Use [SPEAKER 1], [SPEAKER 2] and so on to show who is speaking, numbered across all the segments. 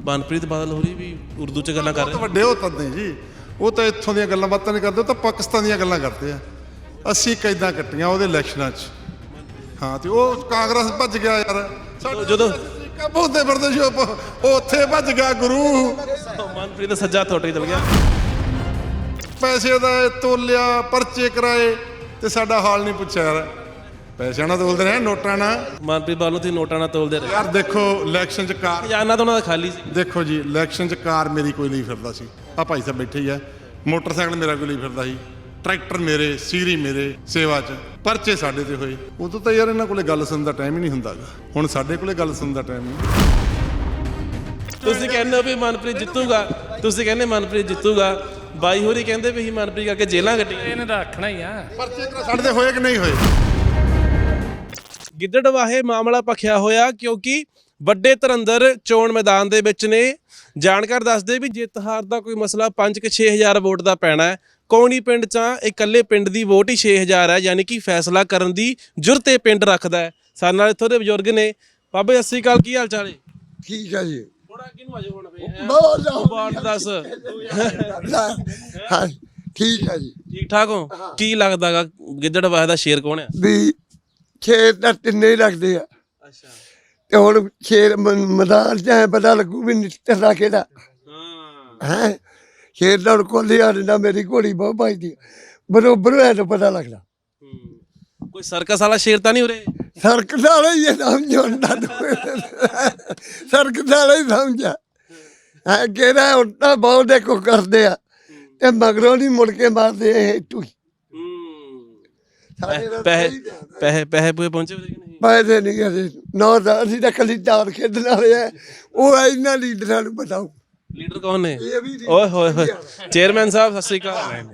[SPEAKER 1] ਮਨਪ੍ਰੀਤ ਬਾਦਲ ਹੋਰੀ ਵੀ ਉਰਦੂ 'ਚ ਗੱਲਾਂ ਕਰ ਰਹੇ
[SPEAKER 2] ਵੱਡੇ ਹੋ ਤਾਂ ਨਹੀਂ ਜੀ, ਉਹ ਤਾਂ ਇੱਥੋਂ ਦੀਆਂ ਗੱਲਾਂ ਬਾਤਾਂ ਨਹੀਂ ਕਰਦੇ, ਉਹ ਤਾਂ ਪਾਕਿਸਤਾਨ ਦੀਆਂ ਗੱਲਾਂ ਕਰਦੇ ਆ। ਅਸੀਂ ਕੈਦਾਂ ਕੱਟੀਆਂ ਉਹਦੇ ਇਲੈਕਸ਼ਨਾਂ 'ਚ। ਹਾਂ ਤੇ ਉਹ ਕਾਂਗਰਸ ਭੱਜ ਗਿਆ ਯਾਰ,
[SPEAKER 1] ਜਦੋਂ
[SPEAKER 2] ਬੋਲਦੇ ਫਿਰਦੇ ਸੀ ਉਹ ਉੱਥੇ ਭੱਜ ਗਿਆ ਗੁਰੂ।
[SPEAKER 1] ਮਨਪ੍ਰੀਤ ਦਾ ਸੱਜਾ ਥੋਟੇ ਚਲ ਗਿਆ,
[SPEAKER 2] ਪੈਸੇ ਦਾ ਤੋਲਿਆ, ਪਰਚੇ ਕਰਾਏ ਤੇ ਸਾਡਾ ਹਾਲ ਨਹੀਂ ਪੁੱਛਿਆ ਯਾਰ। ਪੈਸਿਆਂ ਨਾਲ ਤੋਲਦੇ ਰਹੇ, ਨੋਟਾਂ ਨਾਲ।
[SPEAKER 1] ਮਨਪ੍ਰੀਤ ਬਾਦਲ ਨੂੰ ਤੁਸੀਂ ਨੋਟਾਂ ਨਾਲ ਤੋਲਦੇ ਰਹੇ
[SPEAKER 2] ਯਾਰ ਦੇਖੋ ਇਲੈਕਸ਼ਨ 'ਚ ਕਾਰ,
[SPEAKER 1] ਖਜ਼ਾਨਾ ਤਾਂ ਉਹਨਾਂ ਦਾ ਖਾਲੀ ਸੀ।
[SPEAKER 2] ਦੇਖੋ ਜੀ ਇਲੈਕਸ਼ਨ 'ਚ ਕਾਰ ਮੇਰੀ ਕੋਈ ਨਹੀਂ ਫਿਰਦਾ ਸੀ, ਆ ਭਾਈ ਸਾਹਿਬ ਬੈਠੇ ਹੀ ਆ। ਮੋਟਰਸਾਈਕਲ ਮੇਰਾ ਕੋਈ ਨਹੀਂ ਫਿਰਦਾ ਸੀ, ਟਰੈਕਟਰ ਮੇਰੇ, ਸੀਰੀ ਮੇਰੇ ਸੇਵਾ 'ਚ, ਪਰਚੇ ਸਾਡੇ ਤੇ ਹੋਏ। ਉਦੋਂ ਤਾਂ ਯਾਰ ਇਹਨਾਂ ਕੋਲੇ ਗੱਲ ਸੁਣਨ ਦਾ ਟਾਈਮ ਹੀ ਨਹੀਂ ਹੁੰਦਾ ਗਾ। ਹੁਣ ਸਾਡੇ ਕੋਲੇ ਗੱਲ ਸੁਣਨ ਦਾ ਟਾਈਮ ਨਹੀਂ।
[SPEAKER 1] ਤੁਸੀਂ ਕਹਿੰਦੇ ਹੋ ਵੀ ਮਨਪ੍ਰੀਤ ਜਿੱਤੂਗਾ, ਤੁਸੀਂ ਕਹਿੰਦੇ ਮਨਪ੍ਰੀਤ ਜਿੱਤੂਗਾ, ਬਾਈ ਹੋਰੀ ਕਹਿੰਦੇ ਵੀ ਅਸੀਂ ਮਨਪ੍ਰੀਤ ਕਰਕੇ ਜੇਲਾਂ ਕੱਟੀਆਂ।
[SPEAKER 3] ਇਹਨੇ ਤਾਂ ਰੱਖਣਾ ਹੀ ਆ।
[SPEAKER 2] ਪਰਚੇ ਸਾਡੇ ਤੇ ਹੋਏ ਕਿ ਨਹੀਂ ਹੋਏ?
[SPEAKER 1] ਗਿੱਦੜਬਾਹੇ ਮਾਮਲਾ ਭਖਿਆ ਹੋਇਆ ਕਿਉਂਕਿ ਵੱਡੇ ਧੁਰੰਦਰ ਚੋਣ ਮੈਦਾਨ ਦੇ ਵਿੱਚ ਨੇ। ਜਾਣਕਾਰ ਦੱਸਦੇ ਵੀ ਜਿੱਤ ਹਾਰ ਦਾ ਕੋਈ ਮਸਲਾ 5-6 ਹਜ਼ਾਰ ਵੋਟ ਦਾ ਪੈਣਾ ਹੈ। ਕੌਣੀ ਪਿੰਡ 'ਚ ਇਕੱਲੇ ਪਿੰਡ ਦੀ ਵੋਟ ਹੀ 6 ਹਜ਼ਾਰ ਹੈ, ਯਾਨੀ ਕਿ ਫੈਸਲਾ ਕਰਨ ਦੀ ਜੁਰਤ ਇਹ ਪਿੰਡ ਰੱਖਦਾ ਹੈ। ਸਾਡੇ ਨਾਲ ਇੱਥੋਂ ਦੇ ਬਜ਼ੁਰਗ ਨੇ। ਬਾਬੇ ਸਤਿ ਸ਼੍ਰੀ ਅਕਾਲ, ਕੀ ਹਾਲ ਚਾਲ ਹੈ?
[SPEAKER 4] ਠੀਕ ਹੈ ਜੀ।
[SPEAKER 1] ਥੋੜਾ ਕਿਹਨੂੰ ਅਜੇ ਹੁਣ
[SPEAKER 4] ਬਹੁਤ
[SPEAKER 1] ਦੱਸ
[SPEAKER 4] ਹਾਂ ਠੀਕ ਹੈ ਜੀ।
[SPEAKER 1] ਠੀਕ ਠਾਕ ਹੋ? ਕੀ ਲੱਗਦਾਗਾ ਗਿੱਦੜਬਾਹੇ ਦਾ ਸ਼ੇਰ ਕੌਣ ਹੈ?
[SPEAKER 4] ਵੀ ਖੇਤ ਤਾਂ ਤਿੰਨੇ ਹੀ ਲੱਗਦੇ ਆ
[SPEAKER 1] ਅੱਛਾ,
[SPEAKER 4] ਤੇ ਹੁਣ ਖੇਤ ਮੈਦਾਨ ਚ ਐ ਪਤਾ ਲੱਗੂ ਵੀ ਨਿੱਤਰਦਾ ਕਿਹੜਾ
[SPEAKER 1] ਹਾਂ
[SPEAKER 4] ਹੈ। ਖੇਤ ਦਾ ਕੋਲੀ ਆ ਨਾ, ਮੇਰੀ ਘੋੜੀ ਬਹੁਤ ਭਜਦੀ ਬਰੋਬਰ ਹੋਇਆ ਤਾਂ ਪਤਾ ਲੱਗਦਾ।
[SPEAKER 1] ਕੋਈ ਸਰਕਸ ਵਾਲਾ ਸ਼ੇਰ ਤਾਂ ਨਹੀਂ ਉਰੇ?
[SPEAKER 4] ਸਰਕਸ ਵਾਲਾ ਹੀ ਇਹ ਸਮਝਾਉਂਦਾ, ਸਰਕਸ ਵਾਲਾ ਹੀ ਸਮਝਾ ਹੈ। ਕਿਹੜਾ ਉੱਟਾ ਬਹੁਤ ਦੇਖੋ ਕਰਦੇ ਆ ਤੇ ਮਗਰੋਂ ਨਹੀਂ ਮੁੜ ਕੇ ਮਾਰਦੇ ਇਹ ਟੂਈ।
[SPEAKER 1] ਪੈਸੇ ਪੂਏ ਪਹੁੰਚੇ ਕਿ ਨਹੀਂ?
[SPEAKER 4] ਪੈਸੇ ਨਹੀਂ ਕਰਦੇ ਨਾ, ਅਸੀਂ ਤਾਂ ਕੱਲੀ ਚਾਰ ਖੇਡਣ ਵਾਲੇ ਆ। ਉਹ ਇਹਨਾਂ ਲੀਡਰਾਂ ਨੂੰ ਬਤਾਓ
[SPEAKER 1] ਲੀਡਰ ਕੌਣ ਨੇ?
[SPEAKER 4] ਇਹ ਵੀ
[SPEAKER 1] ਓਏ ਹੋਏ ਹੋਏ, ਚੇਅਰਮੈਨ ਸਾਹਿਬ ਸਤਿ ਸ਼੍ਰੀ ਅਕਾਲ।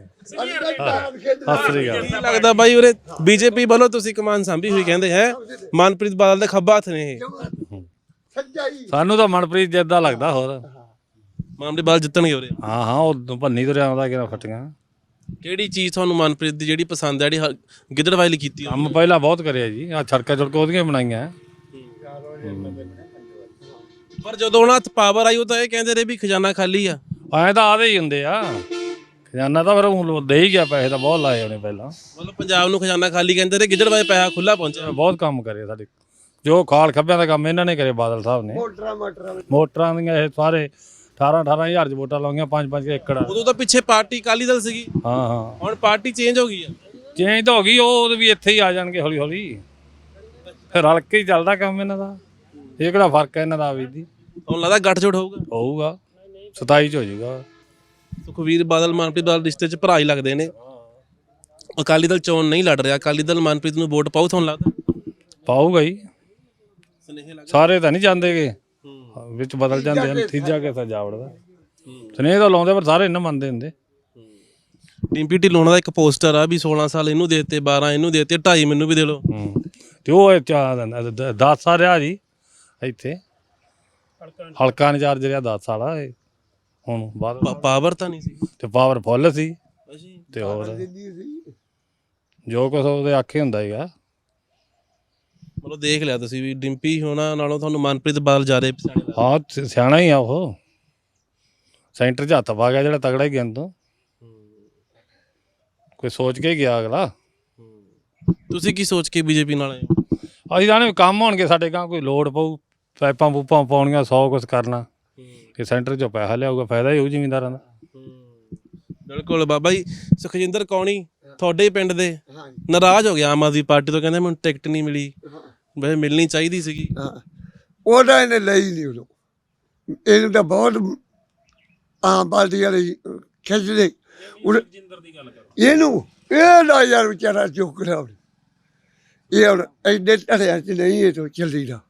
[SPEAKER 1] ਕੀ ਲੱਗਦਾ ਬਾਈ ਉਰੇ ਬੀਜੇਪੀ ਵੱਲੋਂ ਤੁਸੀਂ ਕਮਾਨ ਸਾਂਭੀ ਹੋਈ ਕਹਿੰਦੇ ਹੈ, ਮਨਪ੍ਰੀਤ ਬਾਦਲ ਦੇ ਖੱਬਾ ਹੱਥ ਨੇ ਇਹ?
[SPEAKER 3] ਸਾਨੂੰ ਤਾਂ ਮਨਪ੍ਰੀਤ ਜਿੱਦਾਂ ਲੱਗਦਾ। ਹੋਰ
[SPEAKER 1] ਮਨਪ੍ਰੀਤ ਬਾਦਲ ਜਿੱਤਣਗੇ ਉਰੇ?
[SPEAKER 3] ਹਾਂ ਉਹ ਭੰਨੀ ਤੁਰਿਆ ਆਉਂਦਾ ਕਿਹੜਾ ਫਟੀਆਂ।
[SPEAKER 1] ਕਿਹੜੀ ਚੀਜ਼ ਤੁਹਾਨੂੰ ਮਨਪ੍ਰੀਤ ਦੀ ਜਿਹੜੀ ਪਸੰਦ ਹੈ, ਜਿਹੜੀ ਗਿੱਦੜਬਾਹੇ ਲਈ ਕੀਤੀ?
[SPEAKER 3] ਕੰਮ ਪਹਿਲਾਂ ਬਹੁਤ ਕਰਿਆ ਜੀ, ਆ ਸੜਕਾਂ ਉਹਦੀਆਂ ਬਣਾਈਆਂ।
[SPEAKER 1] ਪਰ ਜਦੋਂ ਉਹਨਾਂ ਹੱਥ ਪਾਵਰ ਆਈ ਉਹ ਤਾਂ ਇਹ ਕਹਿੰਦੇ ਰਹੇ ਵੀ ਖਜ਼ਾਨਾ ਖਾਲੀ ਆ।
[SPEAKER 3] ਐਂ ਤਾਂ ਆਦੇ ਹੀ ਹੁੰਦੇ ਆ, ਖਜ਼ਾਨਾ ਤਾਂ ਫਿਰ ਹੁਣ ਦੇ ਹੀ ਗਿਆ। ਪੈਸੇ ਤਾਂ ਬਹੁਤ ਲਾਏ ਉਹਨੇ ਪਹਿਲਾਂ,
[SPEAKER 1] ਮਤਲਬ ਪੰਜਾਬ ਨੂੰ ਖਜ਼ਾਨਾ ਖਾਲੀ ਕਹਿੰਦੇ ਰਹੇ, ਗਿੱਦੜਬਾਹੇ ਪੈਸਾ ਖੁੱਲਾ ਪਹੁੰਚਿਆ।
[SPEAKER 3] ਬਹੁਤ ਕੰਮ ਕਰੇ ਸਾਡੇ, ਜੋ ਖਾਲ ਖੱਬਿਆਂ ਦਾ ਕੰਮ ਇਹਨਾਂ ਨੇ ਕਰੇ ਬਾਦਲ ਸਾਹਿਬ ਨੇ। ਮੋਟਰਾਂ ਦੀਆਂ ਇਹ ਸਾਰੇ 18 ਹਜ਼ਾਰ ਚ ਵੋਟਾਂ ਲਾਉਂਗੀਆਂ, 5-5 ਏਕੜ।
[SPEAKER 1] ਉਦੋਂ ਤਾਂ ਪਿੱਛੇ ਪਾਰਟੀ ਅਕਾਲੀ ਦਲ ਸੀਗੀ।
[SPEAKER 3] ਹਾਂ
[SPEAKER 1] ਹੁਣ ਪਾਰਟੀ ਚੇਂਜ ਹੋ ਗਈ ਆ।
[SPEAKER 3] ਚੇਂਜ ਤਾਂ ਹੋ ਗਈ, ਉਹ ਵੀ ਇੱਥੇ ਹੀ ਆ ਜਾਣਗੇ ਹੌਲੀ ਹੌਲੀ। ਫਿਰ ਰਲ ਕੇ ਹੀ ਚੱਲਦਾ ਕੰਮ ਇਹਨਾਂ ਦਾ। ਇਹ ਕਿਹੜਾ ਫਰਕ ਹੈ ਇਹਨਾਂ ਦਾ ਵੀ ਦੀ?
[SPEAKER 1] ਹੁਣ ਲੱਗਦਾ ਗੱਠਜੋੜ
[SPEAKER 3] ਹੋਊਗਾ 27 ਚ ਹੋ ਜਾਊਗਾ।
[SPEAKER 1] ਸੁਖਬੀਰ ਬਾਦਲ ਮਨਪ੍ਰੀਤ ਬਾਦਲ ਰਿਸ਼ਤੇ 'ਚ ਭਰਾ ਹੀ ਲੱਗਦੇ ਨੇ। ਅਕਾਲੀ ਦਲ ਚੋਣ ਨਹੀਂ ਲੜ ਰਿਹਾ, ਅਕਾਲੀ ਦਲ ਮਨਪ੍ਰੀਤ ਨੂੰ ਵੋਟ ਪਾਊ ਤੁਹਾਨੂੰ ਲੱਗਦਾ?
[SPEAKER 3] ਪਾਊਗਾ ਹੀ, ਸਾਰੇ ਤਾਂ ਨਹੀਂ ਜਾਂਦੇਗੇ, ਵਿੱਚ ਬਦਲ ਜਾਂਦੇ ਹਨ। ਤੀਜਾ ਕਿਸਾ ਜਾਵੜਦਾ ਸਨੇਹ ਤਾਂ ਲਾਉਂਦੇ, ਪਰ ਸਾਰੇ ਇਹਨਾਂ ਮੰਨਦੇ ਹੁੰਦੇ।
[SPEAKER 1] ਡਿੰਪੀ ਢਿੱਲੋਂ ਦਾ ਇੱਕ ਪੋਸਟਰ ਆ ਵੀ 16 ਸਾਲ ਇਹਨੂੰ ਦੇ ਦਿੱਤੇ, 12 ਇਹਨੂੰ ਦੇ ਦਿੱਤੇ, 2.5 ਮੈਨੂੰ ਵੀ ਦੇ ਲਓ।
[SPEAKER 3] ਤੇ ਉਹ 10 ਸਾਲ ਰਿਹਾ ਜੀ ਇੱਥੇ, ਹਲਕਾ ਇੰਚਾਰਜ ਰਿਹਾ 10 ਸਾਲ ਆ। ਹੁਣ ਬਾਅਦ
[SPEAKER 1] ਪਾਵਰ ਤਾਂ ਨਹੀਂ ਸੀ
[SPEAKER 3] ਤੇ ਪਾਵਰ ਫੁੱਲ ਸੀ ਤੇ ਹੋਰ ਜੋ ਕੁਛ ਉਹਦੇ ਆਖੇ ਹੁੰਦਾ ਹੈਗਾ।
[SPEAKER 1] ਮਤਲਬ ਦੇਖ ਲਿਆ ਤੁਸੀਂ ਵੀ ਡਿੰਪੀ ਹੋਣਾ ਨਾਲੋਂ ਤੁਹਾਨੂੰ ਮਨਪ੍ਰੀਤ ਬਾਦਲ ਜ਼ਿਆਦਾ ਪਸੰਦ ਆ?
[SPEAKER 3] ਹਾਂ ਸਿਆਣਾ ਹੀ ਆ ਉਹ, ਸੈਂਟਰ 'ਚ ਹੱਥ ਪਾ ਗਿਆ ਜਿਹੜਾ ਤਗੜਾ ਹੀ ਗਿਆ। ਤੋਂ ਕੋਈ ਸੋਚ ਕੇ ਗਿਆ ਅਗਲਾ।
[SPEAKER 1] ਤੁਸੀਂ ਕੀ ਸੋਚ ਕੇ ਬੀਜੇਪੀ ਨਾਲ ਆਏ ਹੋ?
[SPEAKER 3] ਅਸੀਂ ਤਾਂ ਕੰਮ ਹੋਣਗੇ ਸਾਡੇ ਗਾਂ, ਕੋਈ ਲੋੜ ਪਊ, ਪਾਈਪਾਂ ਪੂਪਾਂ ਪਾਉਣੀਆਂ, 100 ਕੁਛ ਕਰਨਾ ਕਿ ਸੈਂਟਰ 'ਚੋਂ ਪੈਸਾ ਲਿਆਊਗਾ, ਫਾਇਦਾ ਹੀ ਹੋਊ ਜ਼ਿਮੀਂਦਾਰਾਂ ਦਾ।
[SPEAKER 1] ਬਿਲਕੁਲ। ਬਾਬਾ ਜੀ ਸੁਖਜਿੰਦਰ ਕੌਣੀ ਤੁਹਾਡੇ ਪਿੰਡ ਦੇ ਨਾਰਾਜ਼ ਹੋ ਗਿਆ ਆਮ ਆਦਮੀ ਪਾਰਟੀ ਤੋਂ, ਕਹਿੰਦੇ ਮੈਨੂੰ ਟਿਕਟ ਨਹੀਂ ਮਿਲੀ, ਵੈਸੇ ਮਿਲਣੀ ਚਾਹੀਦੀ ਸੀਗੀ।
[SPEAKER 4] ਉਹਦਾ ਇਹਨੇ ਲਈ ਨਹੀਂ ਉਦੋਂ, ਇਹਨੂੰ ਤਾਂ ਬਹੁਤ ਆਮ ਪਾਰਟੀ ਵਾਲੇ ਖਿੱਚਦੇ ਇਹਨੂੰ। ਇਹ ਨਾ ਯਾਰ ਵਿਚਾਰਾ ਚੁੱਕ ਰਿਹਾ, ਇਹ ਹੁਣ ਐਡੇ ਧੜਿਆਂ 'ਚ ਨਹੀਂ ਇਹ ਤੋਂ ਚੱਲੀ ਦਾ।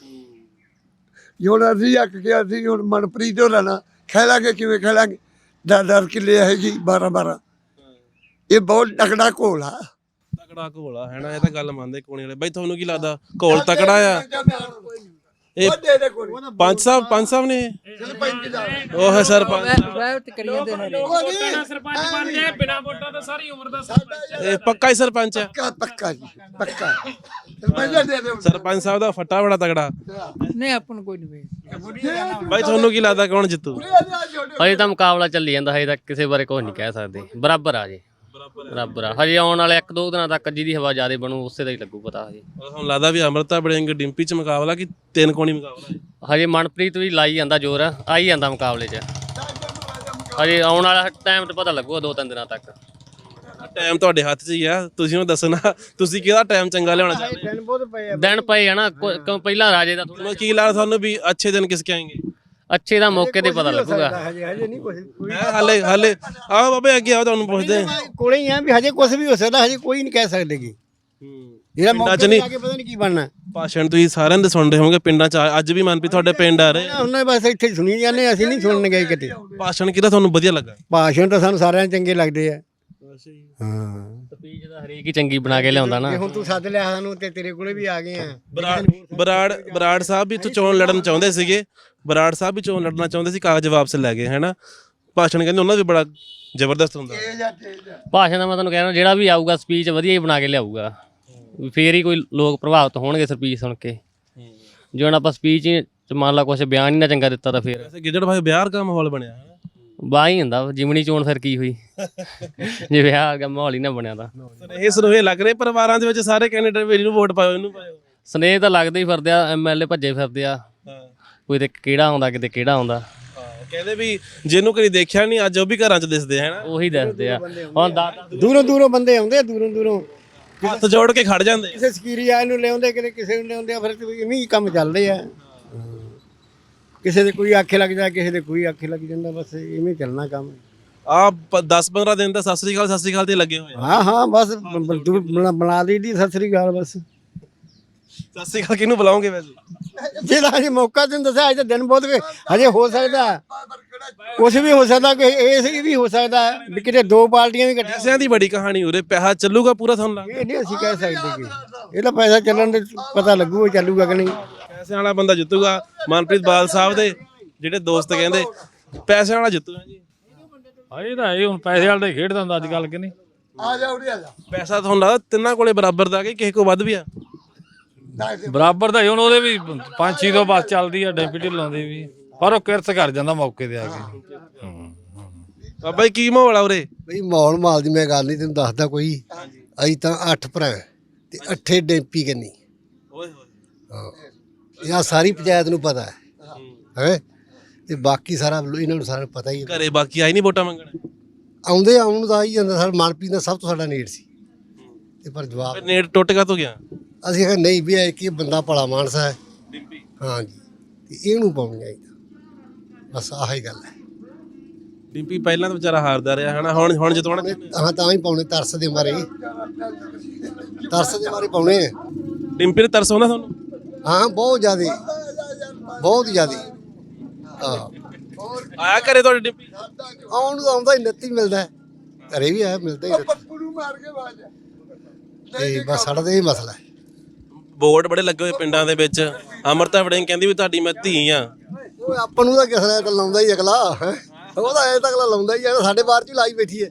[SPEAKER 4] ਹੁਣ ਅਸੀਂ ਅੱਕ ਗਿਆ ਸੀ, ਹੁਣ ਮਨਪ੍ਰੀਤ ਹੋਰਾਂ ਨਾਲ ਖੇਲਾਂਗੇ, ਕਿਵੇਂ ਖੇਲਾਂਗੇ? 10 ਕਿੱਲੇ ਹੈਗੀ, 12 ਇਹ ਬਹੁਤ ਤਕੜਾ ਘੋਲ ਆ।
[SPEAKER 1] ਤਕੜਾ ਘੋਲ ਆ ਹੈ ਨਾ, ਇਹ ਤਾਂ ਗੱਲ ਮੰਨਦੇ ਕੋਣੀ ਵਾਲੇ। ਬਾਈ ਤੁਹਾਨੂੰ ਕੀ ਲੱਗਦਾ ਘੋਲ ਤਕੜਾ ਆ? ਇਹ ਪੰਜ ਸਾਹਿਬ ਨੇ ਉਹ ਹੈ ਸਰਪੰਚ
[SPEAKER 5] ਸਰਪੰਚ ਬਣ ਜਾਏ ਬਿਨਾਂ ਵੋਟਾਂ ਤੋਂ ਸਾਰੀ ਉਮਰ ਦਾ ਸਰਪੰਚ
[SPEAKER 1] ਇਹ ਪੱਕਾ ਹੀ ਸਰਪੰਚ ਹੈ
[SPEAKER 4] ਪੱਕਾ ਜੀ ਪੱਕਾ ਸਰਪੰਚ ਦੇ ਦਿਓ
[SPEAKER 1] ਸਰਪੰਚ ਸਾਹਿਬ ਦਾ ਫੱਟਾ ਬੜਾ ਤਗੜਾ
[SPEAKER 5] ਨਹੀਂ ਆਪਾਂ ਨੂੰ ਕੋਈ ਨਹੀਂ
[SPEAKER 1] ਬਾਈ ਤੁਹਾਨੂੰ ਕੀ ਲੱਗਦਾ ਕੌਣ ਜਿੱਤੂ
[SPEAKER 6] ਹਜੇ ਤਾਂ ਮੁਕਾਬਲਾ ਚੱਲੀ ਜਾਂਦਾ, ਹਜੇ ਤੱਕ ਕਿਸੇ ਬਾਰੇ ਕੁਝ ਨਹੀਂ ਕਹਿ ਸਕਦੇ। ਬਰਾਬਰ ਆ ਜੀ, ਬਰਾਬਰ ਆ। ਹਜੇ ਆਉਣ ਵਾਲੇ 1-2 ਦਿਨਾਂ ਤੱਕ ਜਿਹਦੀ ਹਵਾ ਜ਼ਿਆਦਾ ਬਣੂ ਉਸੇ ਦਾ ਹੀ ਲੱਗੂ ਪਤਾ। ਹਜੇ
[SPEAKER 1] ਤੁਹਾਨੂੰ ਲੱਗਦਾ ਵੀ ਅਮਰਤਾ ਬੜਿੰਗ ਡਿੰਪੀ ਚ ਮੁਕਾਬਲਾ ਕਿ 3 ਕੋਣੀ ਮੁਕਾਬਲਾ ਹੈ?
[SPEAKER 6] ਹਜੇ ਮਨਪ੍ਰੀਤ ਵੀ ਲਾਈ ਜਾਂਦਾ ਜ਼ੋਰ, ਆਈ ਜਾਂਦਾ ਮੁਕਾਬਲੇ 'ਚ। ਹਜੇ ਆਉਣ ਵਾਲਾ ਟਾਈਮ ਤੇ ਪਤਾ ਲੱਗੂਗਾ 2-3 ਦਿਨਾਂ ਤੱਕ।
[SPEAKER 1] ਟਾਈਮ ਤੁਹਾਡੇ ਹੱਥ 'ਚ ਹੀ ਆ, ਤੁਸੀਂ ਉਹ ਦੱਸਣਾ ਤੁਸੀਂ ਕਿਹਦਾ ਟਾਈਮ ਚੰਗਾ ਲਿਆਉਣਾ ਚਾਹੁੰਦੇ
[SPEAKER 6] ਦਿਨ ਪਏ ਆ ਨਾ, ਕਿਉਂ ਪਹਿਲਾਂ ਰਾਜੇ ਦਾ
[SPEAKER 1] ਹੋ? ਕੀ ਲੱਗਦਾ ਤੁਹਾਨੂੰ ਵੀ ਅੱਛੇ ਦਿਨ ਕਿਸਕੇ ਆਏਂਗੇ?
[SPEAKER 6] ਅੱਛੇ ਦਾ ਮੌਕੇ ਤੇ ਪਤਾ ਲੱਗੂਗਾ।
[SPEAKER 1] ਹਾਲੇ ਆਓ ਬਾਬੇ ਅੱਗੇ ਆਓ, ਤੁਹਾਨੂੰ ਪੁੱਛਦੇ
[SPEAKER 7] ਕੋਲੇ ਹੀ ਆ ਵੀ ਹਜੇ ਕੁਝ ਵੀ ਹੋ ਸਕਦਾ, ਹਜੇ ਕੋਈ ਨਹੀਂ ਕਹਿ ਸਕਦੇ ਕਿ ਜਿਹੜਾ
[SPEAKER 1] ਪਿੰਡਾਂ 'ਚ
[SPEAKER 7] ਮੌਕੇ
[SPEAKER 1] ਨਹੀਂ
[SPEAKER 7] ਤੇ ਆ ਕੇ ਪਤਾ ਨਹੀਂ ਕੀ ਬਣਨਾ।
[SPEAKER 1] ਭਾਸ਼ਣ ਤੁਸੀਂ ਸਾਰਿਆਂ ਦੇ ਸੁਣ ਰਹੇ ਹੋਵੋਗੇ ਪਿੰਡਾਂ 'ਚ, ਅੱਜ ਵੀ ਮਨਪ੍ਰੀਤ ਤੁਹਾਡੇ ਪਿੰਡ ਆ ਰਹੇ
[SPEAKER 7] ਉਹਨਾਂ ਬਸ ਇੱਥੇ ਸੁਣੀ ਜਾਂਦੇ, ਅਸੀਂ ਨਹੀਂ ਸੁਣਨ ਗਏ ਕਿਤੇ।
[SPEAKER 1] ਭਾਸ਼ਣ ਕਿਹਦਾ ਤੁਹਾਨੂੰ ਵਧੀਆ ਲੱਗਾ?
[SPEAKER 7] ਭਾਸ਼ਣ ਤਾਂ ਸਾਨੂੰ ਸਾਰਿਆਂ ਨੂੰ ਚੰਗੇ ਲੱਗਦੇ ਆ। ਹਾਂ
[SPEAKER 6] ਸਪੀਚ ਦਾ ਹਰੇਕ ਹੀ ਚੰਗੀ ਬਣਾ ਕੇ ਲਿਆਉਂਦਾ ਨਾ।
[SPEAKER 7] ਜੇ ਹੁਣ ਤੂੰ ਸੱਦ ਲਿਆ ਸਾਨੂੰ ਤੇ ਤੇਰੇ ਕੋਲੇ ਵੀ ਆ ਗਏ ਆ।
[SPEAKER 1] ਬਰਾੜ ਸਾਹਿਬ ਵੀ ਇੱਥੋਂ ਚੋਣ ਲੜਨ ਚਾਹੁੰਦੇ ਸੀਗੇ, ਬਰਾੜ ਸਾਹਿਬ ਵੀ ਚੋਣ ਲੜਨਾ ਚਾਹੁੰਦੇ ਸੀ, ਕਾਗਜ਼ ਵਾਪਸ ਲੈ ਗਏ ਹੈਨਾ। ਭਾਸ਼ਣ ਕਹਿੰਦੇ ਉਹਨਾਂ ਦਾ ਵੀ ਬੜਾ ਜ਼ਬਰਦਸਤ ਹੁੰਦਾ।
[SPEAKER 6] ਭਾਸ਼ਣ ਦਾ ਮੈਂ ਤੁਹਾਨੂੰ ਕਹਿ ਰਿਹਾ, ਜਿਹੜਾ ਵੀ ਆਊਗਾ ਸਪੀਚ ਵਧੀਆ ਹੀ ਬਣਾ ਕੇ ਲਿਆਊਗਾ, ਫੇਰ ਹੀ ਕੋਈ ਲੋਕ ਪ੍ਰਭਾਵਿਤ ਹੋਣਗੇ ਸਪੀਚ ਸੁਣ ਕੇ। ਜੇ ਹੁਣ ਆਪਾਂ ਸਪੀਚ ਚ ਮੰਨ ਲਾ ਕੁਛ ਬਿਆਨ ਹੀ ਨਾ ਚੰਗਾ ਦਿੱਤਾ ਤਾਂ ਫੇਰ
[SPEAKER 1] ਗਿੱਦੜ ਭਾਈ ਵਿਆਹ ਦਾ ਮਾਹੌਲ ਬਣਿਆ ਹੈ।
[SPEAKER 6] ਬਾਹ ਹੀ ਹੁੰਦਾ ਜਿਮਣੀ ਚੋਣ ਫਿਰ ਕੀ ਹੋਈ ਜੇ ਵਿਆਹ ਆ ਗਿਆ ਮਾਹੌਲ ਹੀ ਨਾ ਬਣਿਆ ਤਾਂ।
[SPEAKER 1] ਇਹ ਸੁਨੇਹੇ ਲੱਗ ਰਹੇ ਪਰਿਵਾਰਾਂ ਦੇ ਵਿੱਚ, ਸਾਰੇ ਕੈਂਡੀਡੇਟ ਵੀ ਇਹਨੂੰ ਵੋਟ ਪਾਓ, ਇਹਨੂੰ ਪਾਓ।
[SPEAKER 6] ਸਨੇਹ ਤਾਂ ਲੱਗਦੇ ਹੀ ਫਿਰਦੇ ਆ, MLA ਭੱਜੇ ਫਿਰਦੇ ਆ, ਕੋਈ ਤੇ ਕਿਹੜਾ ਆਉਂਦਾ ਕਿਤੇ ਕਿਹੜਾ ਆਉਂਦਾ।
[SPEAKER 1] ਕਹਿੰਦੇ ਵੀ ਜਿਹਨੂੰ ਕਦੀ ਦੇਖਿਆ ਨਹੀਂ ਅੱਜ ਉਹ ਵੀ ਘਰਾਂ 'ਚ ਦਿਸਦੇ ਹੈ ਨਾ,
[SPEAKER 6] ਉਹੀ ਦੱਸਦੇ ਆ। ਹੁਣ
[SPEAKER 7] ਦੂਰੋਂ ਦੂਰੋਂ ਬੰਦੇ ਆਉਂਦੇ ਆ, ਦੂਰੋਂ ਦੂਰੋਂ
[SPEAKER 1] ਹੱਥ ਜੋੜ ਕੇ ਖੜ ਜਾਂਦੇ।
[SPEAKER 7] ਕਿਸੇ ਸਕੀਰੀ ਆਏ ਨੂੰ ਲਿਆਉਂਦੇ, ਕਿਤੇ ਕਿਸੇ ਨੂੰ ਲਿਆਉਂਦੇ ਆ, ਫਿਰ ਇਵੇਂ ਹੀ ਕੰਮ ਚੱਲਦੇ ਆ। ਕਿਸੇ ਦੇ ਕੋਈ ਆਖੇ ਲੱਗ ਜਾਂਦਾ, ਕਿਸੇ ਦੇ ਕੋਈ ਆਖੇ ਲੱਗ ਜਾਂਦਾ, ਬਸ ਇਵੇਂ ਚੱਲਣਾ ਕੰਮ।
[SPEAKER 1] ਆ 10-15 ਦਿਨ ਤਾਂ ਸਤਿ ਸ੍ਰੀ ਅਕਾਲ ਤੇ ਲੱਗੇ ਹੋਏ ਆ।
[SPEAKER 7] ਹਾਂ ਬਸ ਬਣਾ ਲਈ ਸਤਿ ਸ੍ਰੀ ਅਕਾਲ ਬਸ।
[SPEAKER 1] ਸਤਿ ਸ੍ਰੀ ਅਕਾਲ ਕਿਹਨੂੰ ਬੁਲਾਓਗੇ ਵੈਸੇ?
[SPEAKER 7] ਜਿਹੜਾ ਹਜੇ ਮੌਕਾ ਤੈਨੂੰ ਦੱਸਿਆ, ਅੱਜ ਤਾਂ ਦਿਨ ਬਹੁਤ ਹਜੇ ਹੋ ਸਕਦਾ, ਕੁਛ ਵੀ ਹੋ ਸਕਦਾ, ਕਿ ਇਹ ਵੀ ਹੋ ਸਕਦਾ ਵੀ ਕਿਤੇ 2 ਪਾਰਟੀਆਂ ਵੀ ਇਕੱਠੀਆਂ।
[SPEAKER 1] ਪੈਸਿਆਂ ਦੀ ਬੜੀ ਕਹਾਣੀ ਉਰੇ, ਪੈਸਾ ਚੱਲੂਗਾ ਪੂਰਾ ਤੁਹਾਨੂੰ ਲੱਗਦਾ?
[SPEAKER 7] ਇਹ ਨਹੀਂ ਅਸੀਂ ਕਹਿ ਸਕਦੇ ਕਿ ਇਹਦਾ ਪੈਸਾ ਚੱਲਣ ਦੇ ਪਤਾ ਲੱਗੂਗਾ ਚੱਲੂਗਾ ਕਿ ਨਹੀਂ।
[SPEAKER 1] ਪੈਸਿਆਂ ਵਾਲਾ ਬੰਦਾ ਜਿੱਤੂਗਾ। ਮਨਪ੍ਰੀਤ ਬਾਲ ਸਾਹਿਬ ਦੇ ਜਿਹੜੇ ਦੋਸਤ ਕਹਿੰਦੇ ਪੈਸਿਆਂ ਵਾਲਾ ਜਿੱਤੂਗਾ ਜੀ।
[SPEAKER 3] ਇਹ ਤਾਂ ਇਹ ਹੁਣ ਪੈਸੇ ਵਾਲੇ ਦਾ ਹੀ ਖੇਡਦਾ ਹੁੰਦਾ ਅੱਜ ਕੱਲ ਕਿ ਨਹੀਂ।
[SPEAKER 7] ਆ ਜਾ ਉਰੇ ਆ ਜਾ।
[SPEAKER 1] ਪੈਸਾ ਤੁਹਾਨੂੰ ਲੱਗਦਾ ਤਿੰਨਾਂ ਕੋਲੇ ਬਰਾਬਰ ਦਾ ਕਿ ਕਿਸੇ ਕੋ ਵੱਧ ਵੀ ਆ?
[SPEAKER 3] ਬਰਾਬਰ ਦਾ ਹੀ ਹੁਣ, ਉਹਦੇ ਵੀ 5-6 ਤੋਂ ਬਸ ਚੱਲਦੀ ਆ, ਡੈਂਪੀ ਢਿੱਲੋਂ ਦੀ ਵੀ, ਪਰ ਉਹ ਕਿਰਤ ਕਰ ਜਾਂਦਾ ਮੌਕੇ ਤੇ ਆ ਕੇ।
[SPEAKER 1] ਬਾਬਾ ਜੀ ਕੀ ਮਾਹੌਲ ਆ ਉਰੇ?
[SPEAKER 8] ਬਈ ਮਾਲ ਦੀ ਮੈਂ ਗੱਲ ਨਹੀਂ ਤੈਨੂੰ ਦੱਸਦਾ ਕੋਈ। ਅਸੀਂ ਤਾਂ 8 ਭਰਾ ਤੇ 8 ਡੈਂਪੀ ਕੰਨੀ।
[SPEAKER 1] ਓਏ ਹੋਏ
[SPEAKER 8] ਹਾਂ ਇਹ ਸਾਰੀ ਪੰਚਾਇਤ ਨੂੰ ਪਤਾ ਹੈ ਤੇ ਬਾਕੀ ਸਾਰਾ ਇਹਨਾਂ ਨੂੰ ਸਾਰਿਆਂ ਨੂੰ ਪਤਾ ਹੀ ਹੈ।
[SPEAKER 1] ਘਰੇ ਬਾਕੀ ਆਈ ਨਹੀਂ ਵੋਟਾਂ ਮੰਗਣ?
[SPEAKER 8] ਆਉਂਦੇ ਆਉਣ ਨੂੰ ਤਾਂ ਆ ਹੀ ਜਾਂਦਾ। ਸਾਡਾ ਮਨਪ੍ਰੀਤ ਦਾ ਸਭ ਤੋਂ ਸਾਡਾ ਨੇੜ ਸੀ ਤੇ ਪਰ ਜਵਾਬ
[SPEAKER 1] ਨੇੜ ਟੁੱਟ ਕਾ ਤੋਂ ਗਿਆ?
[SPEAKER 8] ਅਸੀਂ ਕਿਹਾ ਨਹੀਂ ਵੀ ਇਹ ਕੀ ਬੰਦਾ ਭਲਾ ਮਾਨਸ ਹੈ। ਹਾਂ ਜੀ ਤੇ ਇਹਨੂੰ ਪਾਉਣੀ ਆਈ ਬਸ ਆਹੀ ਗੱਲ ਹੈ।
[SPEAKER 1] ਡਿੰਪੀ ਪਹਿਲਾਂ ਤਾਂ ਵਿਚਾਰਾ ਹਾਰਦਾ ਰਿਹਾ ਹਨਾ, ਹੁਣ ਜਿਤਾਉਣਾ?
[SPEAKER 8] ਹਾਂ ਤਾਂ ਹੀ ਪਾਉਣੇ ਤਰਸ ਦੇ ਮਾਰੇ ਪਾਉਣੇ।
[SPEAKER 1] ਡਿੰਪੀ ਤੇ ਤਰਸ ਆਉਂਦਾ ਤੁਹਾਨੂੰ?
[SPEAKER 8] ਹਾਂ ਬਹੁਤ ਜ਼ਿਆਦਾ ਬਹੁਤ ਜ਼ਿਆਦਾ। ਹਾਂ
[SPEAKER 1] ਆਇਆ ਘਰੇ ਤੁਹਾਡੇ ਡਿੰਪੀ?
[SPEAKER 8] ਆਉਣ ਨੂੰ ਆਉਂਦਾ ਹੀ ਨੱਤੀ ਮਿਲਦਾ ਹੈ, ਘਰੇ ਵੀ ਆਇਆ ਮਿਲਦਾ ਹੀ ਤੇ ਬਸ ਸਾਡਾ ਤਾਂ ਇਹ ਮਸਲਾ ਹੈ।
[SPEAKER 1] ਬੋਰਡ ਬੜੇ ਲੱਗੇ ਹੋਏ ਪਿੰਡਾਂ ਦੇ ਵਿੱਚ। ਅਮਰਤਾ ਵੜਿੰਗ ਕਹਿੰਦੀ ਵੀ ਤੁਹਾਡੀ ਮੈਂ ਧੀ ਆ।
[SPEAKER 8] ਉਹ ਆਪਾਂ ਨੂੰ ਤਾਂ ਕਿਸ ਤਰ੍ਹਾਂ ਤਾਂ ਲਾਉਂਦਾ ਹੀ ਅਗਲਾ ਹੈਂ। ਉਹਦਾ ਐ ਤਾਂ ਅਗਲਾ ਲਾਉਂਦਾ ਹੀ ਆ, ਸਾਡੇ ਬਾਹਰ ਚ ਹੀ ਲਾਈ ਬੈਠੀ ਹੈ।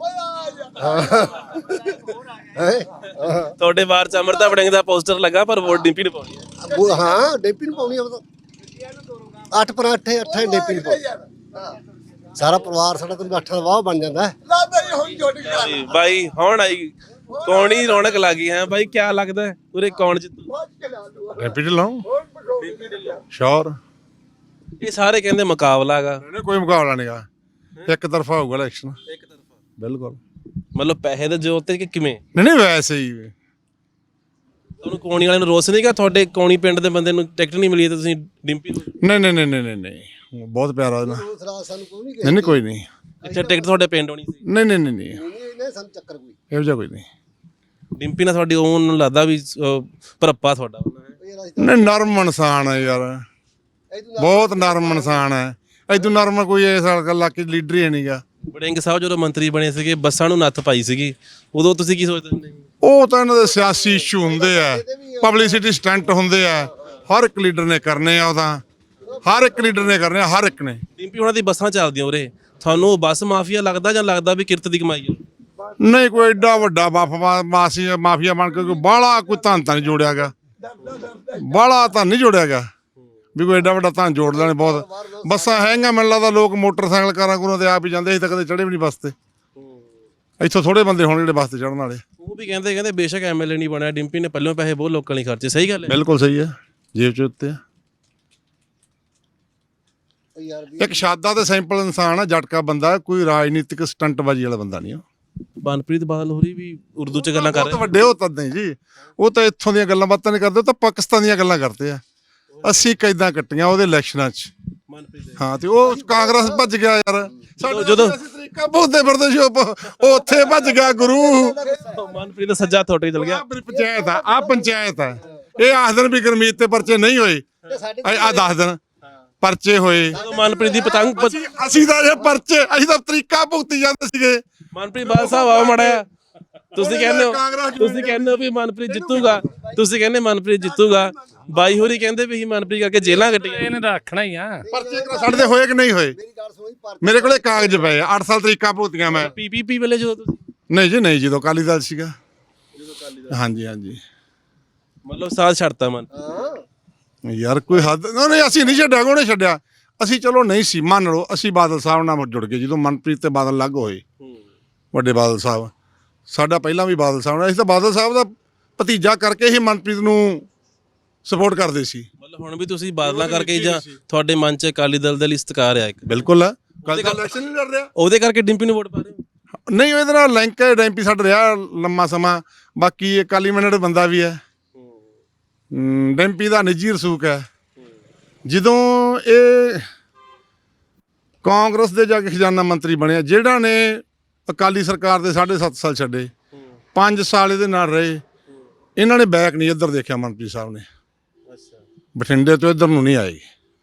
[SPEAKER 1] ਤੁਹਾਡੇ ਬਾਹਰ ਚ ਅਮਰਤਾ ਵੜਿੰਗ ਦਾ ਪੋਸਟਰ ਲੱਗਾ ਪਰ ਵੋਟ ਡਿੰਪੀ ਨੂੰ ਪਾਉਣੀ ਹੈ।
[SPEAKER 8] ਹਾਂ ਡੇਪੀ ਨੂੰ ਪਾਉਣੀ ਆ। ਉਹ ਤਾਂ 8 ਪਰ 8 ਡੇਪੀ ਨੂੰ ਪਾਉਣੀ। ਸਾਰਾ ਪਰਿਵਾਰ ਸਾਡਾ ਤਾਂ 8 ਦਾ ਵਾਹ ਬਣ ਜਾਂਦਾ ਹੈ।
[SPEAKER 1] ਬਾਈ ਹੁਣ ਆਈ ਕੌਣ ਹੀ ਰੌਣਕ ਲੱਗੀ ਹੈ ਬਾਈ, ਕਿਆ ਲੱਗਦਾ ਹੈ ਉਰੇ ਕੌਣ ਜਿੱਤੂ?
[SPEAKER 2] ਡੈਂਪੀ ਢਿੱਲੋਂ ਸ਼ੋਰ।
[SPEAKER 1] ਇਹ ਸਾਰੇ ਕਹਿੰਦੇ ਮੁਕਾਬਲਾ ਹੈਗਾ।
[SPEAKER 2] ਕੋਈ ਮੁਕਾਬਲਾ ਨਹੀਂਗਾ, ਇੱਕ ਤਰਫਾ ਹੋਊਗਾ ਇਲੈਕਸ਼ਨ।
[SPEAKER 1] ਇੱਕ ਤਰਫਾ
[SPEAKER 2] ਬਿਲਕੁਲ।
[SPEAKER 1] ਮਤਲਬ ਪੈਸੇ ਦੇ ਜ਼ੋਰ ਤੇ ਕਿ ਕਿਵੇਂ?
[SPEAKER 2] ਨਹੀਂ ਵੈਸੇ ਹੀ
[SPEAKER 1] ਤੁਹਾਨੂੰ ਕੋਣੀ ਵਾਲੇ ਨੂੰ ਰੋਸ ਨਹੀਂ ਗਾ? ਤੁਹਾਡੇ ਕੋਣੀ ਪਿੰਡ ਦੇ ਬੰਦੇ ਨੂੰ ਟਿਕਟ ਨਹੀਂ ਮਿਲੀ ਤੇ ਤੁਸੀਂ ਡਿੰਪੀ ਨੂੰ?
[SPEAKER 2] ਨਹੀਂ ਬਹੁਤ ਪਿਆਰਾ ਉਹਦਾ।
[SPEAKER 8] ਸਾਨੂੰ ਕੋਈ ਨਹੀਂ
[SPEAKER 2] ਨਹੀਂ ਕੋਈ ਨਹੀਂ।
[SPEAKER 1] ਇੱਥੇ ਟਿਕਟ ਤੁਹਾਡੇ ਪਿੰਡ ਹੋਣੀ ਸੀ?
[SPEAKER 2] ਨਹੀਂ
[SPEAKER 8] ਇਹਨੇ ਸਾਨੂੰ ਚੱਕਰ ਕੋਈ
[SPEAKER 2] ਇਹੋ ਜਿਹਾ ਕੋਈ ਨਹੀਂ।
[SPEAKER 1] ਡਿੰਪੀ ਨਾਲ ਤੁਹਾਡੀ ਉਹਨੂੰ ਲੱਗਦਾ ਵੀ ਭਰਪਾ ਤੁਹਾਡਾ
[SPEAKER 2] ਨਹੀਂ ਨਰਮ ਇਨਸਾਨ ਹੈ ਯਾਰ, ਬਹੁਤ ਨਰਮ ਇਨਸਾਨ ਹੈ। ਇਦੋਂ ਨਰਮ ਕੋਈ ਇਸ ਇਲਾਕੇ ਲੀਡਰ ਹੀ ਨਹੀਂਗਾ।
[SPEAKER 1] ਵੜਿੰਗ ਸਾਹਿਬ ਜਦੋਂ ਮੰਤਰੀ ਬਣੇ ਸੀਗੇ ਬੱਸਾਂ ਨੂੰ ਨੱਥ ਪਾਈ ਸੀਗੀ, ਉਦੋਂ ਤੁਸੀਂ ਕੀ ਸੋਚਦੇ ਹੁੰਦੇ?
[SPEAKER 2] ਉਹ ਤਾਂ ਇਹਨਾਂ ਦੇ ਸਿਆਸੀ ਇਸ਼ੂ ਹੁੰਦੇ ਆ, ਪਬਲਿਸਿਟੀ ਸਟੰਟ ਹੁੰਦੇ ਆ। ਹਰ ਇੱਕ ਲੀਡਰ ਨੇ ਕਰਨੇ ਆ, ਉਹਦਾ ਹਰ ਇੱਕ ਲੀਡਰ ਨੇ ਕਰਨੇ ਆ, ਹਰ ਇੱਕ ਨੇ।
[SPEAKER 1] ਡਿੰਪੀ ਉਹਨਾਂ ਦੀ ਬੱਸਾਂ ਚੱਲਦੀਆਂ ਉਰੇ, ਤੁਹਾਨੂੰ ਬੱਸ ਮਾਫੀਆ ਲੱਗਦਾ ਜਾਂ ਲੱਗਦਾ ਵੀ ਕਿਰਤ ਦੀ ਕਮਾਈ ਹੈ?
[SPEAKER 2] ਨਹੀਂ ਕੋਈ ਏਡਾ ਵੱਡਾ ਮਾਫੀਆ ਬਣ ਕੇ ਕੋਈ ਬਾਹਲਾ ਕੋਈ ਧਨ ਤਾਂ ਨਹੀਂ ਜੋੜਿਆਗਾ, ਬਾਹਲਾ ਤਾਂ ਨਹੀਂ ਜੋੜਿਆਗਾ ਵੀ ਕੋਈ ਏਡਾ ਵੱਡਾ ਧਨ ਜੋੜ ਲੈਣੇ। ਬਹੁਤ ਬੱਸਾਂ ਹੈਗੀਆਂ, ਮੈਨੂੰ ਲੱਗਦਾ ਲੋਕ ਮੋਟਰਸਾਈਕਲ ਕਾਰਾਂ ਕੋਲੋਂ ਤੇ ਆਪ ਹੀ ਜਾਂਦੇ ਸੀ, ਤਾਂ ਕਦੇ ਚੜੇ ਵੀ ਨਹੀਂ ਬੱਸ ਤੇ। ਇੱਥੋਂ ਥੋੜੇ ਬੰਦੇ ਹੋਣ ਜਿਹੜੇ ਬੱਸ ਤੇ ਚੜਨ ਵਾਲੇ।
[SPEAKER 1] ਉਹ ਵੀ ਕਹਿੰਦੇ ਬੇਸ਼ੱਕ ਐਮਐਲਏ ਨਹੀਂ ਬਣਿਆ ਡਿੰਪੀ ਨੇ, ਪਹਿਲਾਂ ਪੈਸੇ ਬਹੁਤ ਲੋਕਾਂ ਲਈ ਖਰਚੇ। ਸਹੀ ਗੱਲ ਹੈ?
[SPEAKER 2] ਬਿਲਕੁਲ ਸਹੀ ਹੈ, ਜੇਬ 'ਚ ਉੱਤੇ ਆ। ਇੱਕ ਸ਼ਾਦਾ ਤੇ ਸਿੰਪਲ ਇਨਸਾਨ ਆ, ਜਟਕਾ ਬੰਦਾ, ਕੋਈ ਰਾਜਨੀਤਿਕ ਸਟੰਟਬਾਜ਼ੀ ਵਾਲਾ ਬੰਦਾ ਨਹੀਂ ਆ।
[SPEAKER 1] ਮਨਪ੍ਰੀਤ ਬਾਦਲ ਹੋਰੀ ਵੀ ਉਰਦੂ 'ਚ ਗੱਲਾਂ ਕਰ
[SPEAKER 2] ਬਹੁਤ
[SPEAKER 1] ਰਹੇ।
[SPEAKER 2] ਵੱਡੇ ਉਹ ਤਾਂ ਨਹੀਂ ਜੀ, ਉਹ ਤਾਂ ਇੱਥੋਂ ਦੀਆਂ ਗੱਲਾਂ ਬਾਤਾਂ ਨਹੀਂ ਕਰਦੇ, ਉਹ ਤਾਂ ਪਾਕਿਸਤਾਨ ਦੀਆਂ ਗੱਲਾਂ ਕਰਦੇ ਆ। 80 ਕੈਦਾਂ ਕੱਟੀਆਂ ਉਹਦੇ ਇਲੈਕਸ਼ਨਾਂ 'ਚ। ਹਾਂ, ਤੇ ਉਹ ਕਾਂਗਰਸ ਭੱਜ ਗਿਆ ਯਾਰ। ਜਦੋਂ ਤਰੀਕਾ ਬੋਲਦੇ ਫਿਰਦੇ ਸੀ, ਉਹ ਉੱਥੇ ਭੱਜ ਗਿਆ ਗੁਰੂ।
[SPEAKER 1] ਮਨਪ੍ਰੀਤ ਦਾ ਸੱਜਾ ਥੋੜੇ ਚਲ ਗਿਆ।
[SPEAKER 2] ਆਪਣੀ ਪੰਚਾਇਤ ਆ ਪੰਚਾਇਤ ਆ। ਇਹ ਆਖ ਦਿਨ ਵੀ ਗੁਰਮੀਤ ਤੇ ਪਰਚੇ ਨਹੀਂ ਹੋਏ, ਆ 10 ਦਿਨ ਪਰਚੇ ਹੋਏ।
[SPEAKER 1] ਜਦੋਂ ਮਨਪ੍ਰੀਤ ਦੀ ਪਤੰਗ
[SPEAKER 2] ਅਸੀਂ ਤਾਂ ਇਹ ਪਰਚੇ, ਅਸੀਂ ਤਾਂ ਤਰੀਕਾ ਭੁਗਤੀ ਜਾਂਦੇ ਸੀਗੇ।
[SPEAKER 1] ਮਨਪ੍ਰੀਤ ਬਾਦਲ ਸਾਹਿਬ ਆਓ ਮੜਿਆ, ਤੁਸੀਂ ਕਹਿੰਦੇ ਹੋ ਵੀ ਮਨਪ੍ਰੀਤ ਜਿੱਤੂਗਾ, ਤੁਸੀਂ ਕਹਿੰਦੇ ਮਨਪ੍ਰੀਤ ਜਿੱਤੂਗਾ, ਬਾਈ ਹੋਰੀ ਕਹਿੰਦੇ ਵੀ ਮਨਪ੍ਰੀਤ ਕਰਕੇ ਜੇਲਾਂ ਕੱਟੀਆਂ।
[SPEAKER 3] ਇਹਨੇ ਰੱਖਣਾ ਹੀ ਆ।
[SPEAKER 2] ਪਰਚੇ ਸਾਡੇ ਹੋਏ ਕਿ ਨਹੀਂ ਹੋਏ? ਮੇਰੇ ਕੋਲੇ ਕਾਗਜ਼ ਪਏ ਆ, 8 ਸਾਲ ਤਰੀਕਾ ਭੁਗਤੀਆਂ ਮੈਂ।
[SPEAKER 1] ਪੀਪੀਪੀ ਵੇਲੇ ਜਦੋਂ ਤੁਸੀਂ?
[SPEAKER 2] ਨਹੀਂ, ਜਦੋਂ ਅਕਾਲੀ ਦਲ ਸੀਗਾ। ਹਾਂਜੀ
[SPEAKER 1] ਮਤਲਬ ਸਾਥ ਛੱਡਤਾ ਮਨ
[SPEAKER 2] ਯਾਰ, ਕੋਈ ਹੱਦ ਨਹੀਂ। ਅਸੀਂ ਨਹੀਂ ਛੱਡਿਆ, ਉਹਨੇ ਛੱਡਿਆ। ਅਸੀਂ ਚਲੋ ਨਹੀਂ ਸੀ, ਮੰਨ ਲਓ ਅਸੀਂ ਬਾਦਲ ਸਾਹਿਬ ਨਾਲ ਜੁੜ ਗਏ ਜਦੋਂ ਮਨਪ੍ਰੀਤ ਤੇ ਬਾਦਲ ਅਲੱਗ ਹੋਏ। ਵੱਡੇ ਬਾਦਲ ਸਾਹਿਬ ਸਾਡਾ ਪਹਿਲਾਂ ਵੀ ਬਾਦਲ ਸਾਹਿਬ ਨਾਲ, ਅਸੀਂ ਤਾਂ ਬਾਦਲ ਸਾਹਿਬ ਦਾ ਭਤੀਜਾ ਕਰਕੇ ਹੀ ਮਨਪ੍ਰੀਤ ਨੂੰ ਸਪੋਰਟ ਕਰਦੇ ਸੀ।
[SPEAKER 1] ਮਤਲਬ ਹੁਣ ਵੀ ਤੁਸੀਂ ਬਾਦਲਾਂ ਕਰਕੇ ਜਾਂ ਤੁਹਾਡੇ ਮਨ 'ਚ ਅਕਾਲੀ ਦਲ ਦੇ ਲਈ ਸਤਿਕਾਰ ਆ ਇੱਕ?
[SPEAKER 2] ਬਿਲਕੁਲ ਆ, ਇਲੈਕਸ਼ਨ ਨਹੀਂ ਲੜ ਰਿਹਾ
[SPEAKER 1] ਉਹਦੇ ਕਰਕੇ ਡਿੰਪੀ ਨੂੰ ਵੋਟ ਪਾ ਰਹੇ ਹੋ?
[SPEAKER 2] ਨਹੀਂ, ਇਹਦੇ ਨਾਲ ਲਿੰਕ ਹੈ। ਡੈਂਪੀ ਸਾਡਾ ਰਿਹਾ ਲੰਮਾ ਸਮਾਂ, ਬਾਕੀ ਅਕਾਲੀ ਮੈਂਡੇਟ ਬੰਦਾ ਵੀ ਹੈ। ਡੈਂਪੀ ਦਾ ਨਿੱਜੀ ਰਸੂਖ ਹੈ। ਜਦੋਂ ਇਹ ਕਾਂਗਰਸ ਦੇ ਜਾ ਕੇ ਖਜ਼ਾਨਾ ਮੰਤਰੀ ਬਣਿਆ, ਜਿਹੜਾ ਨੇ ਅਕਾਲੀ ਸਰਕਾਰ ਦੇ 7.5 ਸਾਲ ਛੱਡੇ, 5 ਸਾਲ ਇਹਦੇ ਨਾਲ ਰਹੇ, ਇਹਨਾਂ ਨੇ ਬੈਕ ਨਹੀਂ ਇੱਧਰ ਦੇਖਿਆ। ਮਨਪ੍ਰੀਤ ਸਾਹਿਬ ਨੇ ਬਠਿੰਡੇ ਤੋਂ ਇੱਧਰ ਨੂੰ ਨਹੀਂ ਆਏ।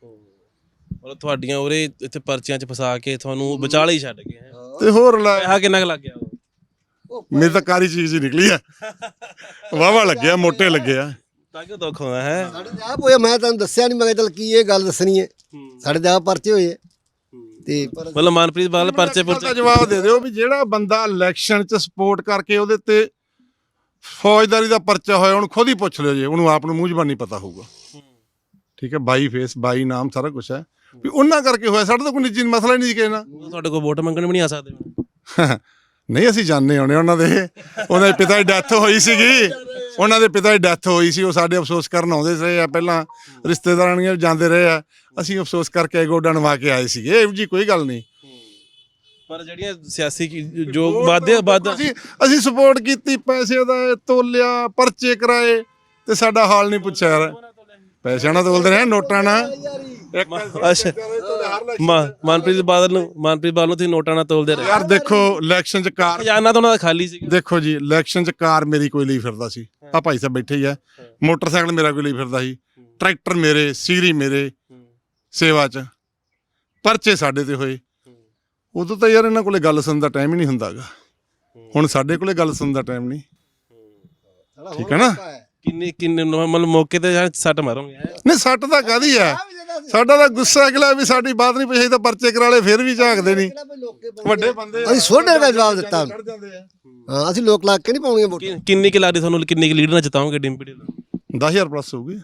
[SPEAKER 1] ਮਤਲਬ ਤੁਹਾਡੀਆਂ ਉਰੇ ਇੱਥੇ ਪਰਚੀਆਂ 'ਚ ਫਸਾ ਕੇ ਤੁਹਾਨੂੰ ਵਿਚਾਲੇ ਹੀ ਛੱਡ ਗਏ।
[SPEAKER 2] ਤੇ ਹੋਰ
[SPEAKER 1] ਪੈਸਾ ਕਿੰਨਾ ਕੁ ਲੱਗ ਗਿਆ?
[SPEAKER 2] ਮੇਰੀ ਤਾਂ ਕਾਰੀ ਚੀਜ਼ ਹੀ ਨਿਕਲੀ ਆ, ਵਾਹਵਾ ਲੱਗਿਆ, ਮੋਟੇ ਲੱਗੇ ਆ।
[SPEAKER 1] ਤਾਂ ਕਿ ਦੁੱਖ ਹੋਇਆ ਹੈ।
[SPEAKER 8] ਸਾਡੇ ਤੇ ਆਪ ਹੋਇਆ, ਮੈਂ ਤੁਹਾਨੂੰ ਦੱਸਿਆ ਨਹੀਂ, ਮੈਂ ਕਿਹਾ ਚੱਲ ਕੀ ਇਹ ਗੱਲ ਦੱਸਣੀ ਹੈ। ਸਾਡੇ ਤੇ ਆਪ ਪਰਚੇ ਹੋਏ ਤੇ
[SPEAKER 1] ਮਤਲਬ ਮਨਪ੍ਰੀਤ ਬਾਦਲ ਪਰਚੇ
[SPEAKER 2] ਦਾ ਜਵਾਬ ਦੇ ਦਿਓ ਵੀ ਜਿਹੜਾ ਬੰਦਾ ਇਲੈਕਸ਼ਨ 'ਚ ਸਪੋਰਟ ਕਰਕੇ ਉਹਦੇ ਤੇ ਫੌਜਦਾਰੀ ਦਾ ਪਰਚਾ ਹੋਇਆ, ਉਹਨੂੰ ਖੁਦ ਹੀ ਪੁੱਛ ਲਿਓ ਜੀ, ਉਹਨੂੰ ਆਪ ਨੂੰ ਮੂੰਹ ਜ਼ਬਾਨੀ ਪਤਾ ਹੋਊਗਾ। ਠੀਕ ਹੈ, ਬਾਈ ਫੇਸ, ਬਾਈ ਨਾਮ, ਸਾਰਾ ਕੁਝ ਹੈ ਵੀ ਉਹਨਾਂ ਕਰਕੇ ਹੋਇਆ। ਸਾਡਾ ਤਾਂ ਕੋਈ ਨਿੱਜੀ ਮਸਲਾ ਹੀ ਨਹੀਂ ਕਿਸੇ ਨਾਲ।
[SPEAKER 1] ਤੁਹਾਡੇ ਕੋਲ ਵੋਟ ਮੰਗਣ ਵੀ ਨਹੀਂ ਆ ਸਕਦੇ?
[SPEAKER 2] ਨਹੀਂ, ਅਸੀਂ ਜਾਣਦੇ ਹੋਣੇ ਉਹਨਾਂ ਦੇ ਪਿਤਾ ਦੀ ਡੈਥ ਹੋਈ ਸੀਗੀ। ਉਹਨਾਂ ਦੇ ਪਿਤਾ ਦੀ ਡੈਥ ਹੋਈ ਸੀ, ਉਹ ਸਾਡੇ ਅਫਸੋਸ ਕਰਨ ਆਉਂਦੇ ਰਹੇ ਆ। ਪਹਿਲਾਂ ਰਿਸ਼ਤੇਦਾਰਾਂ ਨਾਲ ਜਾਂਦੇ ਰਹੇ ਆ, ਅਸੀਂ ਅਫਸੋਸ ਕਰਕੇ ਗੋਡਾ ਨਵਾ ਕੇ ਆਏ ਸੀਗੇ। ਇਹੋ ਜੀ ਕੋਈ ਗੱਲ ਨਹੀਂ।
[SPEAKER 1] ਪਰ ਜਿਹੜੀਆਂ ਸਿਆਸੀ ਜੋ ਵਾਅਦੇ
[SPEAKER 2] ਅਸੀਂ ਸਪੋਰਟ ਕੀਤੀ, ਪੈਸੇ ਦਾ ਤੋਲਿਆ, ਪਰਚੇ ਕਰਾਏ, ਤੇ ਸਾਡਾ ਹਾਲ ਨਹੀਂ ਪੁੱਛਿਆ ਯਾਰ। ਪੈਸਿਆਂ ਨਾਲ ਤੋਲਦੇ ਰਹੇ, ਨੋਟਾਂ ਨਾਲ।
[SPEAKER 1] ਅੱਛਾ, ਮਨਪ੍ਰੀਤ ਬਾਦਲ ਨੂੰ ਤੁਸੀਂ ਨੋਟਾਂ ਨਾਲ ਤੋਲਦੇ ਰਹੇ
[SPEAKER 2] ਯਾਰ। ਦੇਖੋ ਇਲੈਕਸ਼ਨ 'ਚ ਕਾਰ,
[SPEAKER 1] ਖਜ਼ਾਨਾ ਤਾਂ ਉਹਨਾਂ ਦਾ ਖਾਲੀ ਸੀ।
[SPEAKER 2] ਦੇਖੋ ਜੀ, ਇਲੈਕਸ਼ਨ 'ਚ ਕਾਰ ਮੇਰੀ ਕੋਈ ਲਈ ਫਿਰਦਾ ਸੀ। ਆ ਭਾਈ ਸਾਹਿਬ ਬੈਠੇ ਹੀ ਆ। ਮੋਟਰਸਾਈਕਲ ਮੇਰਾ ਕੋਈ ਲਈ ਫਿਰਦਾ ਸੀ। ਟਰੈਕਟਰ ਮੇਰੇ, ਸੀਰੀ ਮੇਰੇ ਸੇਵਾ 'ਚ। ਪਰਚੇ ਸਾਡੇ ਤੇ ਹੋਏ। ਉਦੋਂ ਤਾਂ ਯਾਰ ਇਹਨਾਂ ਕੋਲੇ ਗੱਲ ਸੁਣਨ ਦਾ ਟਾਈਮ ਹੀ ਨਹੀਂ ਹੁੰਦਾਗਾ। ਹੁਣ ਸਾਡੇ ਕੋਲੇ ਗੱਲ ਸੁਣਨ ਦਾ ਟਾਈਮ ਨਹੀਂ। ਠੀਕ ਹੈ ਨਾ?
[SPEAKER 1] ਕਿੰਨੇ ਮਤਲਬ ਮੌਕੇ ਤੇ ਸੱਟ ਮਾਰੋਗੇ?
[SPEAKER 2] ਨਹੀਂ, ਸੱਟ ਤਾਂ ਕਾਹਦੀ ਹੈ। ਸਾਡਾ ਤਾਂ ਗੁੱਸਾ ਅਗਲਾ ਵੀ ਸਾਡੀ ਬਾਤ ਨਹੀਂ ਪੁੱਛੀ, ਤਾਂ ਪਰਚੇ ਕਰਾ ਲਏ, ਫਿਰ ਵੀ ਝਾਕਦੇ ਨਹੀਂ। ਵੱਡੇ ਬੰਦੇ
[SPEAKER 8] ਅਸੀਂ ਸੋਢੇ ਦਾ ਜਵਾਬ ਦਿੱਤਾ। ਹਾਂ, ਅਸੀਂ ਲੋਕ ਲਾ ਕੇ ਨਹੀਂ ਪਾਉਣੀਆਂ ਵੋਟਾਂ।
[SPEAKER 1] ਕਿੰਨੀ ਕਿ ਲੱਗਦੀ ਤੁਹਾਨੂੰ, ਕਿੰਨੀ ਕਿ ਲੀਡ ਨਾਲ ਜਿਤਾਓਗੇ ਡਿੰਪੀ ਢਿੱਲੋਂ?
[SPEAKER 2] 10,000 ਪਲੱਸ ਹੋਊਗੀ।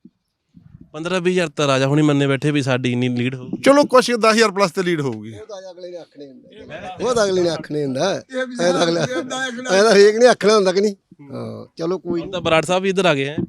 [SPEAKER 1] 15-20 ਤਾਂ ਰਾਜਾ ਹੁਣੀ ਮੰਨੇ ਬੈਠੇ ਵੀ ਸਾਡੀ ਇੰਨੀ ਲੀਡ ਹੋਊਗੀ।
[SPEAKER 2] ਚਲੋ ਕੁਛ 10,000 ਪਲੱਸ ਤੇ ਲੀਡ ਹੋਊਗੀ।
[SPEAKER 8] ਉਹ ਤਾਂ ਅਗਲੇ ਨੇ ਆਖਣੇ ਹੁੰਦਾ। ਇਹਦਾ ਹਰੇਕ ਨੇ ਆਖਣਾ ਹੁੰਦਾ ਕਿ ਨਹੀਂ। ਹਾਂ, ਚਲੋ ਕੋਈ
[SPEAKER 1] ਤਾਂ ਬਰਾੜ ਸਾਹਿਬ ਵੀ ਇੱਧਰ ਆ ਗਏ ਹੈ।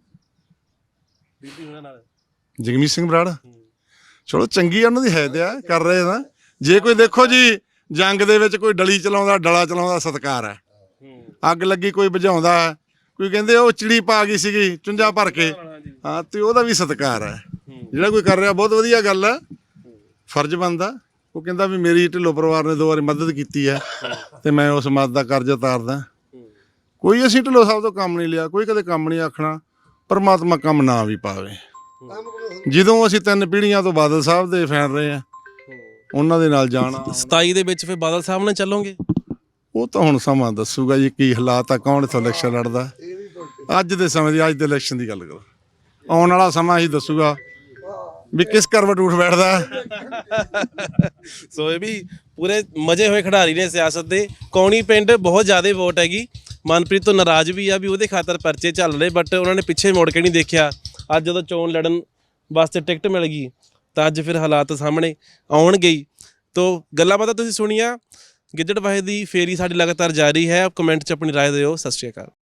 [SPEAKER 2] ਜਗਮੀਤ ਸਿੰਘ ਬਰਾੜ, ਚਲੋ ਚੰਗੀ ਉਹਨਾਂ ਦੀ ਹੈਦ ਆ, ਕਰ ਰਹੇ ਨਾ। ਜੇ ਕੋਈ ਦੇਖੋ ਜੀ, ਜੰਗ ਦੇ ਵਿੱਚ ਕੋਈ ਡਲੀ ਚਲਾਉਂਦਾ, ਡਲਾ ਚਲਾਉਂਦਾ, ਸਤਿਕਾਰ ਹੈ। ਅੱਗ ਲੱਗੀ ਕੋਈ ਬੁਝਾਉਂਦਾ, ਕੋਈ ਕਹਿੰਦੇ ਉਹ ਚਿੜੀ ਪਾ ਗਈ ਸੀਗੀ ਚੁੰਝਾ ਭਰ ਕੇ, ਹਾਂ, ਤੇ ਉਹਦਾ ਵੀ ਸਤਿਕਾਰ ਹੈ। ਜਿਹੜਾ ਕੋਈ ਕਰ ਰਿਹਾ ਬਹੁਤ ਵਧੀਆ ਗੱਲ ਹੈ, ਫਰਜ਼ ਬਣਦਾ। ਉਹ ਕਹਿੰਦਾ ਵੀ ਮੇਰੀ ਢਿੱਲੋਂ ਪਰਿਵਾਰ ਨੇ 2 ਵਾਰੀ ਮਦਦ ਕੀਤੀ ਹੈ, ਤੇ ਮੈਂ ਉਸ ਮਦਦ ਦਾ ਕਰਜ਼ਾ ਉਤਾਰਦਾ। ਕੋਈ ਅਸੀਂ ਢਿੱਲੋਂ ਸਾਹਿਬ ਤੋਂ ਕੰਮ ਨਹੀਂ ਲਿਆ, ਕੋਈ ਕਦੇ ਕੰਮ ਨਹੀਂ ਆਖਣਾ। ਪਰਮਾਤਮਾ ਕੰਮ ਨਾ ਵੀ ਪਾਵੇ। ਜਦੋਂ ਅਸੀਂ 3 ਪੀੜ੍ਹੀਆਂ ਤੋਂ ਬਾਦਲ ਸਾਹਿਬ ਦੇ ਫੈਨ ਰਹੇ ਆ, ਉਹਨਾਂ ਦੇ ਨਾਲ ਜਾਣਾ।
[SPEAKER 1] 27 ਦੇ ਵਿੱਚ ਫਿਰ ਬਾਦਲ ਸਾਹਿਬ ਨਾਲ ਚੱਲੋਗੇ?
[SPEAKER 2] ਉਹ ਤਾਂ ਹੁਣ ਸਮਾਂ ਦੱਸੂਗਾ ਜੀ ਕੀ ਹਾਲਾਤ ਆ, ਕੌਣ ਇੱਥੋਂ ਇਲੈਕਸ਼ਨ ਲੜਦਾ। ਅੱਜ ਦੇ ਸਮੇਂ ਦੀ, ਅੱਜ ਦੇ ਇਲੈਕਸ਼ਨ ਦੀ ਗੱਲ ਕਰੋ। ਆਉਣ ਵਾਲਾ ਸਮਾਂ ਹੀ ਦੱਸੂਗਾ ਵੀ ਕਿਸ ਕਰਵਟ ਉੱਠ ਬੈਠਦਾ।
[SPEAKER 1] ਸੋ ਇਹ ਵੀ ਪੂਰੇ ਮਜੇ ਹੋਏ ਖਿਡਾਰੀ ਨੇ ਸਿਆਸਤ ਦੇ। ਕੌਣੀ ਪਿੰਡ ਬਹੁਤ ਜ਼ਿਆਦਾ ਵੋਟ ਹੈਗੀ, ਮਨਪ੍ਰੀਤ ਤੋਂ ਨਾਰਾਜ਼ ਵੀ ਆ ਵੀ ਉਹਦੇ ਖਾਤਰ ਪਰਚੇ ਚੱਲ ਰਹੇ, ਬਟ ਉਹਨਾਂ ਨੇ ਪਿੱਛੇ ਮੁੜ ਕੇ ਨਹੀਂ ਦੇਖਿਆ। ਅੱਜ ਜਦੋਂ ਚੋਣ ਲੜਨ ਵਾਸਤੇ ਟਿਕਟ ਮਿਲ ਗਈ ਤਾਂ ਅੱਜ ਫਿਰ ਹਾਲਾਤ ਸਾਹਮਣੇ ਆਉਣਗੇ ਹੀ। ਤੋ ਗੱਲਾਂ ਬਾਤਾਂ ਤੁਸੀਂ ਸੁਣੀਆਂ, ਗਿੱਦੜਬਾਹੇ ਦੀ ਫੇਰੀ ਸਾਡੀ ਲਗਾਤਾਰ ਜਾਰੀ ਹੈ। ਕਮੈਂਟ 'ਚ ਆਪਣੀ ਰਾਏ ਦਿਓ। ਸਤਿ ਸ਼੍ਰੀ ਅਕਾਲ।